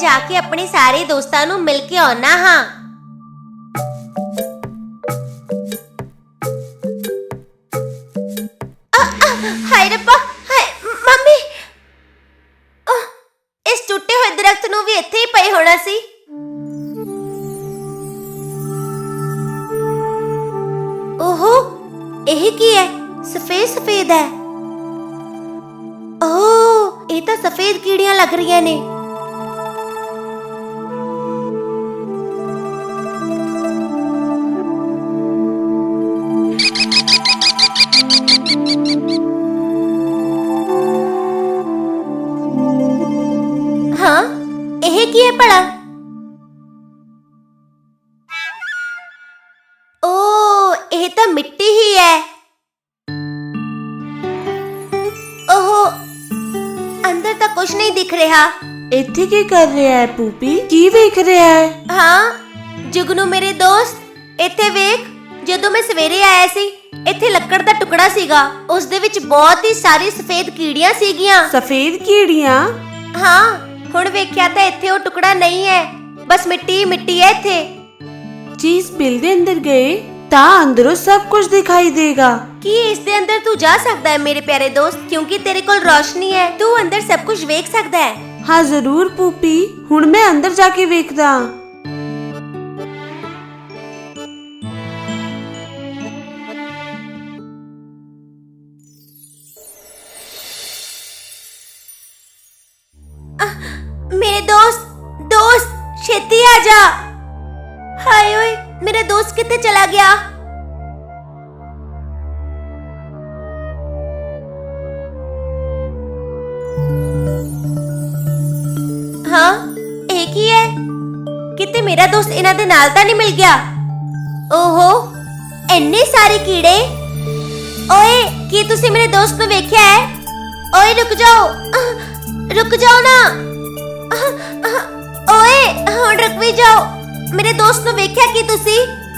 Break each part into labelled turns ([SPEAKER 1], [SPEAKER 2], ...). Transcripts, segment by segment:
[SPEAKER 1] जाके अपने सारे दोस्तां नूं मिल के आउणा हां। हाय रब्बा, हाय मम्मी, इस टुੱਟੇ ਹੋਏ ਦਰਖਤ ਨੂੰ ਵੀ ਇੱਥੇ ਹੀ ਪਏ ਹੋਣਾ ਸੀ। ओहो, ਇਹ ਕੀ ਹੈ? सफेद सफेद है। ओह, ਇਹ ਤਾਂ सफेद ਕੀੜੀਆਂ ਲੱਗ ਰਹੀਆਂ ਨੇ। हाँ, ਇਹ ਕੀ ਹੈ ਭਲਾ? ओ, ਇਹ ਤਾਂ ਮਿੱਟੀ ਹੀ ਹੈ। ओहो, अंदर ਤਾਂ ਕੁਝ ਨਹੀਂ ਦਿਖ ਰਿਹਾ।
[SPEAKER 2] ਇੱਥੇ ਕੀ ਕਰ ਰਿਹਾ ਹੈ ਪੂਪੀ? ਕੀ ਵੇਖ ਰਿਹਾ ਹੈ?
[SPEAKER 1] ਹਾਂ ਜੁਗਨੂ ਮੇਰੇ ਦੋਸਤ, ਇੱਥੇ ਵੇਖ। ਜਦੋਂ ਮੈਂ ਸਵੇਰੇ ਆਇਆ ਸੀ, ਇੱਥੇ ਲੱਕੜ ਦਾ ਟੁਕੜਾ ਸੀਗਾ। ਉਸ ਦੇ ਵਿੱਚ ਬਹੁਤ ਹੀ ਸਾਰੀ ਸਫੇਦ ਕੀੜੀਆਂ ਸੀਗੀਆਂ।
[SPEAKER 2] ਸਫੇਦ ਕੀੜੀਆਂ?
[SPEAKER 1] ਹਾਂ, ਹੁਣ ਵੇਖਿਆ ਤਾਂ ਇੱਥੇ ਉਹ ਟੁਕੜਾ ਨਹੀਂ ਹੈ, ਬਸ ਮਿੱਟੀ ਹੀ ਮਿੱਟੀ ਹੈ ਇੱਥੇ।
[SPEAKER 2] ਚੀਜ਼ ਬਿਲ ਦੇ ਅੰਦਰ ਗਏ ਤਾਂ ਅੰਦਰੋਂ ਸਭ ਕੁਝ ਦਿਖਾਈ ਦੇਗਾ।
[SPEAKER 1] ਕੀ ਇਸ ਦੇ ਅੰਦਰ ਤੂੰ ਜਾ ਸਕਦਾ ਹੈ ਮੇਰੇ ਪਿਆਰੇ ਦੋਸਤ? ਕਿਉਂਕਿ ਤੇਰੇ ਕੋਲ ਰੋਸ਼ਨੀ ਹੈ, ਤੂੰ ਅੰਦਰ ਸਭ ਕੁਝ ਵੇਖ ਸਕਦਾ ਹੈ।
[SPEAKER 2] ਹਾਂ ਜ਼ਰੂਰ ਪੂਪੀ, ਹੁਣ ਮੈਂ ਅੰਦਰ ਜਾ ਕੇ ਵੇਖਦਾ।
[SPEAKER 1] ਮੇਰੇ ਦੋਸਤ ਛੇਤੀ ਆ ਜਾ। ਹਾਏ ਓਏ, ਮੇਰਾ ਦੋਸਤ ਕਿੱਥੇ ਚਲਾ ਗਿਆ? ਹਾਂ, ਇਹ ਕੀ ਹੈ? ਕਿਤੇ ਮੇਰਾ ਦੋਸਤ ਇਹਨਾਂ ਦੇ ਨਾਲ ਤਾਂ ਨਹੀਂ ਮਿਲ ਗਿਆ? ਓਹੋ, ਇੰਨੇ ਸਾਰੇ ਕੀੜੇ। ਓਏ, ਕੀ ਤੁਸੀਂ ਮੇਰੇ ਦੋਸਤ ਨੂੰ ਵੇਖਿਆ ਹੈ? ਓਏ ਰੁਕ ਜਾਓ ਨਾ। ਓਏ ਹੁਣ ਰੁਕ ਵੀ ਜਾਓ। ਮੇਰੇ ਦੋਸਤ ਨੂੰ ਵੇਖਿਆ ਕੀ ਤੁਸੀਂ?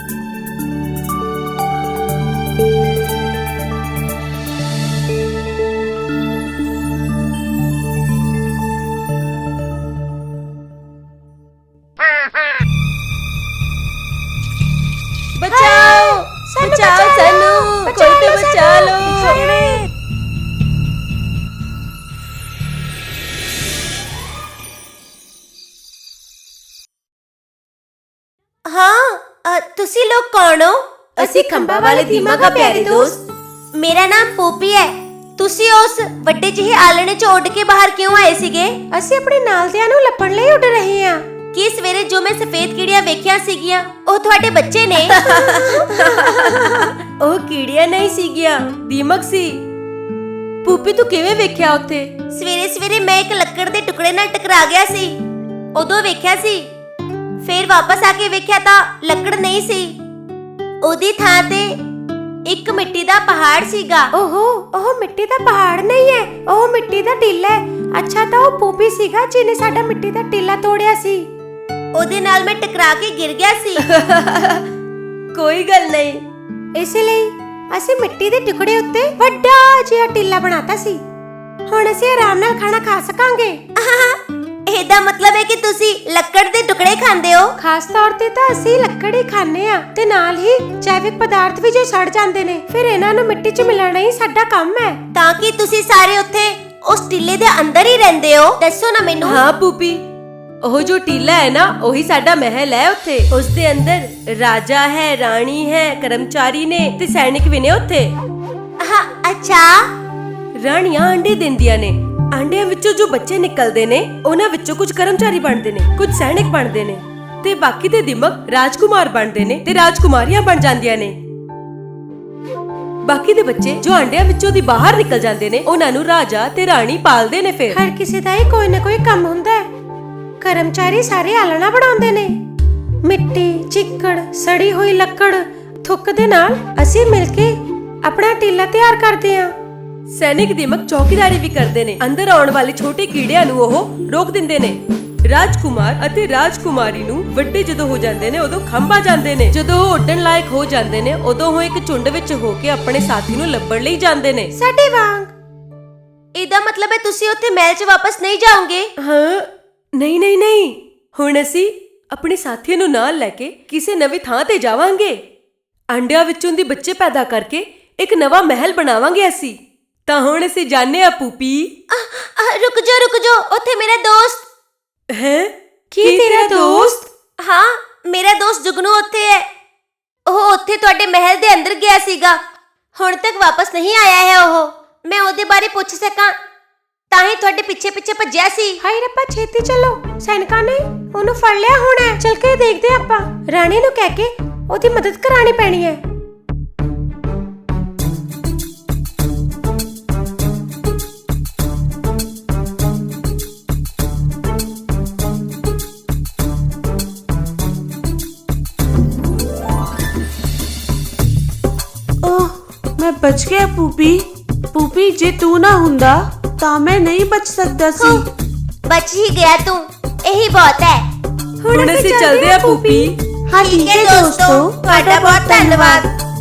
[SPEAKER 2] ਬਚਾਓ ਸਾਨੂੰ, ਕੋਈ ਤਾਂ ਬਚਾ ਲੋ।
[SPEAKER 1] हाँ, तुसी लोग कौन हो?
[SPEAKER 2] ਅਸੀਂ ਖੰਭਾ ਵਾਲੇ ਦੀਮਾ ਦਾ ਪਿਆਰੇ ਦੋਸਤ।
[SPEAKER 1] मेरा नाम पोपी है। तुसी उस ਵੱਡੇ ਜਿਹੇ ਆਲਣੇ ਚ ਉੱਡ ਕੇ ਬਾਹਰ ਕਿਉਂ ਆਏ ਸੀਗੇ?
[SPEAKER 2] ਅਸੀਂ ਆਪਣੇ ਨਾਲਦਿਆਂ ਨੂੰ ਲੱਭਣ ਲਈ ਉੱਡ ਰਹੇ ਹਾਂ।
[SPEAKER 1] ਕੀ ਸਵੇਰੇ ਜੋ ਮੈਂ ਸਫੇਦ ਕੀੜੀਆਂ ਵੇਖਿਆ ਸੀਗੀਆਂ, ਉਹ ਤੁਹਾਡੇ ਬੱਚੇ ਨੇ?
[SPEAKER 2] ਉਹ ਕੀੜੀਆਂ ਨਹੀਂ ਸੀਗੀਆਂ, ਦੀਮਕ ਸੀ। ਪੂਪੀ ਤੂੰ ਕਿਵੇਂ ਵੇਖਿਆ ਉੱਥੇ?
[SPEAKER 1] ਸਵੇਰੇ ਸਵੇਰੇ ਮੈਂ ਇੱਕ ਲੱਕੜ ਦੇ ਟੁਕੜੇ ਨਾਲ ਟਕਰਾ ਗਿਆ ਸੀ, ਉਦੋਂ ਵੇਖਿਆ ਸੀ। ਫਿਰ ਵਾਪਸ ਆ ਕੇ ਵੇਖਿਆ ਤਾਂ ਲੱਕੜ ਨਹੀਂ ਸੀ, ਉਹਦੀ ਥਾਂ ਤੇ ਇੱਕ ਮਿੱਟੀ ਦਾ ਪਹਾੜ ਸੀਗਾ।
[SPEAKER 2] ਓਹੋ, ਉਹ ਮਿੱਟੀ ਦਾ ਪਹਾੜ ਨਹੀਂ ਹੈ, ਉਹ ਮਿੱਟੀ ਦਾ ਟਿੱਲਾ ਹੈ। ਅੱਛਾ, ਤਾਂ ਉਹ ਪੂਪੀ ਸੀਗਾ ਜਿਹਨੇ ਸਾਡਾ ਮਿੱਟੀ ਦਾ ਟਿੱਲਾ ਤੋੜਿਆ ਸੀ।
[SPEAKER 1] ਉਹਦੇ ਨਾਲ ਮੈਂ ਟਕਰਾ ਕੇ ਗਿਰ ਗਿਆ ਸੀ।
[SPEAKER 2] ਕੋਈ ਗੱਲ ਨਹੀਂ, ਇਸ ਲਈ ਅਸੀਂ ਮਿੱਟੀ ਦੇ ਟੁਕੜੇ ਉੱਤੇ ਵੱਡਾ ਜਿਹਾ ਟਿੱਲਾ ਬਣਾਤਾ ਸੀ। ਹੁਣ ਅਸੀਂ ਆਰਾਮ ਨਾਲ ਖਾਣਾ ਖਾ ਸਕਾਂਗੇ।
[SPEAKER 1] ਇਹਦਾ ਮਤਲਬ ਹੈ ਕਿ ਤੁਸੀਂ ਲੱਕੜ ਦੇ ਟੁਕੜੇ ਖਾਂਦੇ ਹੋ?
[SPEAKER 2] ਖਾਸ ਤੌਰ ਤੇ ਤਾਂ ਅਸੀਂ ਲੱਕੜ ਹੀ ਖਾਂਦੇ ਆ, ਤੇ ਨਾਲ ਹੀ ਜੈਵਿਕ ਪਦਾਰਥ ਵੀ ਜੋ ਸੜ ਜਾਂਦੇ ਨੇ, ਫਿਰ ਇਹਨਾਂ ਨੂੰ ਮਿੱਟੀ 'ਚ ਮਿਲਾਣਾ ਹੀ ਸਾਡਾ ਕੰਮ ਹੈ।
[SPEAKER 1] ਤਾਂ ਕਿ ਤੁਸੀਂ ਸਾਰੇ ਉੱਥੇ ਉਸ ਟਿੱਲੇ ਦੇ ਅੰਦਰ ਹੀ ਰਹਿੰਦੇ ਹੋ? ਦੱਸੋ ਨਾ ਮੈਨੂੰ।
[SPEAKER 2] ਹਾਂ ਪੂਪੀ, ਉਹ ਜੋ ਟੀਲਾ ਹੈ ਨਾ, ਉਹੀ ਸਾਡਾ ਮਹਿਲ ਹੈ। ਉੱਥੇ ਉਸ ਦੇ ਅੰਦਰ ਰਾਜਾ ਹੈ, ਰਾਣੀ ਹੈ, ਕਰਮਚਾਰੀ ਨੇ ਤੇ ਸੈਨਿਕ ਵੀ ਨੇ ਉੱਥੇ।
[SPEAKER 1] ਹਾਂ, ਅੱਛਾ।
[SPEAKER 2] ਰਾਣੀਆਂ ਅੰਡੇ ਦਿੰਦੀਆਂ ਨੇ, ਆਂਡਿਆਂ ਵਿੱਚੋਂ ਜੋ ਬੱਚੇ ਨਿਕਲਦੇ ਨੇ, ਉਹਨਾਂ ਵਿੱਚੋਂ ਕੁਝ ਕਰਮਚਾਰੀ ਬਣਦੇ ਨੇ, ਕੁਝ ਸੈਨਿਕ ਬਣਦੇ ਨੇ, ਤੇ ਬਾਕੀ ਦੇ ਦਿਮਕ ਰਾਜਕੁਮਾਰ ਬਣਦੇ ਨੇ ਤੇ ਰਾਜਕੁਮਾਰੀਆਂ ਬਣ ਜਾਂਦੀਆਂ ਨੇ। ਬਾਕੀ ਦੇ ਬੱਚੇ ਜੋ ਆਂਡਿਆਂ ਵਿੱਚੋਂ ਦੀ ਬਾਹਰ ਨਿਕਲ ਜਾਂਦੇ ਨੇ, ਉਹਨਾਂ ਨੂੰ ਰਾਜਾ ਤੇ ਰਾਣੀ ਪਾਲਦੇ ਨੇ। ਫਿਰ ਹਰ ਕਿਸੇ ਦਾ ਹੀ ਕੋਈ ਨਾ ਕੋਈ ਕੰਮ ਹੁੰਦਾ ਹੈ। ਕਰਮਚਾਰੀ ਸਾਰੇ ਆਲਣਾ ਬਣਾਉਂਦੇ ਨੇ, ਮਿੱਟੀ, ਚਿੱਕੜ, ਸੜੀ ਹੋਈ ਲੱਕੜ, ਥੁੱਕ ਦੇ ਨਾਲ ਅਸੀਂ ਮਿਲ ਕੇ ਆਪਣਾ ਟਿੱਲਾ ਤਿਆਰ ਕਰਦੇ ਹਾਂ। ਸੈਨਿਕ ਦੀਮਕ ਚੌਕੀਦਾਰੀ ਵੀ ਕਰਦੇ ਨੇ, ਅੰਦਰ ਆਉਣ ਵਾਲੇ ਛੋਟੇ ਕੀੜਿਆਂ ਨੂੰ ਉਹ ਰੋਕ ਦਿੰਦੇ ਨੇ। ਰਾਜਕੁਮਾਰ ਅਤੇ ਰਾਜਕੁਮਾਰੀ ਨੂੰ ਵੱਡੇ ਜਦੋਂ ਹੋ ਜਾਂਦੇ ਨੇ, ਉਦੋਂ ਖੰਭਾ ਜਾਂਦੇ ਨੇ। ਜਦੋਂ ਉਹ ਉੱਡਣ ਲਾਇਕ ਹੋ ਜਾਂਦੇ ਨੇ, ਉਦੋਂ ਉਹ ਇੱਕ ਝੁੰਡ ਵਿੱਚ ਹੋ ਕੇ ਆਪਣੇ ਸਾਥੀ ਨੂੰ ਲੱਭਣ ਲਈ ਜਾਂਦੇ ਨੇ, ਸਾਡੇ ਵਾਂਗ।
[SPEAKER 1] ਇਹਦਾ ਮਤਲਬ ਹੈ ਤੁਸੀਂ ਉੱਥੇ ਮਹਿਲ 'ਚ ਵਾਪਸ ਨਹੀਂ ਜਾਓਗੇ?
[SPEAKER 2] ਹਾਂ, ਨਹੀਂ ਨਹੀਂ ਨਹੀਂ, ਹੁਣ ਅਸੀਂ ਆਪਣੇ ਸਾਥੀਆਂ ਨੂੰ ਨਾਲ ਲੈ ਕੇ ਕਿਸੇ ਨਵੀਂ ਥਾਂ ਤੇ ਜਾਵਾਂਗੇ। ਅੰਡਿਆਂ ਵਿੱਚੋਂ ਦੀ ਬੱਚੇ ਪੈਦਾ ਕਰਕੇ ਇੱਕ ਨਵਾਂ ਮਹਿਲ ਬਣਾਵਾਂਗੇ ਅਸੀਂ। ਤਾਂ ਹੁਣ ਅਸੀਂ ਜਾਣੇ ਆ ਪੂਪੀ।
[SPEAKER 1] ਰੁਕ ਜਾ, ਉੱਥੇ ਮੇਰਾ ਦੋਸਤ
[SPEAKER 2] ਹੈ। ਕੀ ਤੇਰਾ ਦੋਸਤ?
[SPEAKER 1] ਹਾਂ, ਮੇਰਾ ਦੋਸਤ ਜੁਗਨੂ ਉੱਥੇ ਹੈ। ਉਹ ਉੱਥੇ ਤੁਹਾਡੇ ਮਹਿਲ ਦੇ ਅੰਦਰ ਗਿਆ ਸੀਗਾ, ਹੁਣ ਤੱਕ ਵਾਪਸ ਨਹੀਂ ਆਇਆ ਹੈ। ਮੈਂ ਉਹਦੇ ਬਾਰੇ ਪੁੱਛ ਸਕਾਂ ਤਾਂ ਹੀ ਤੁਹਾਡੇ ਪਿੱਛੇ ਭੱਜਿਆ ਸੀ।
[SPEAKER 2] ਹਾਏ ਰੱਬਾ, ਛੇਤੀ ਚੱਲੋ, ਸੈਨਿਕਾਂ ਨੇ ਉਹਨੂੰ ਫੜ ਲਿਆ ਹੋਣਾ। ਚੱਲ ਕੇ ਦੇਖਦੇ ਆਪਾਂ। ਰਾਣੀ ਨੂੰ ਕਹਿ ਕੇ ਉਹਦੀ ਮਦਦ ਕਰਾਣੀ ਪੈਣੀ ਹੈ।
[SPEAKER 3] ਮੈਂ ਬਚ ਗਿਆ ਪੂਪੀ ਜੇ ਤੂੰ ਨਾ ਹੁੰਦਾ ਤਾਂ ਮੈਂ ਨਹੀਂ ਬਚ ਸਕਦਾ ਸੀ।
[SPEAKER 1] ਬਚ ਹੀ ਗਿਆ ਤੂੰ, ਇਹੀ ਬਹੁਤ ਹੈ।
[SPEAKER 2] ਹੁਣ ਅਸੀਂ ਚੱਲਦੇ ਆ ਪੂਪੀ।
[SPEAKER 3] ਹਾਂ ਠੀਕ ਹੈ ਦੋਸਤੋ,
[SPEAKER 1] ਤੁਹਾਡਾ ਬਹੁਤ ਧੰਨਵਾਦ।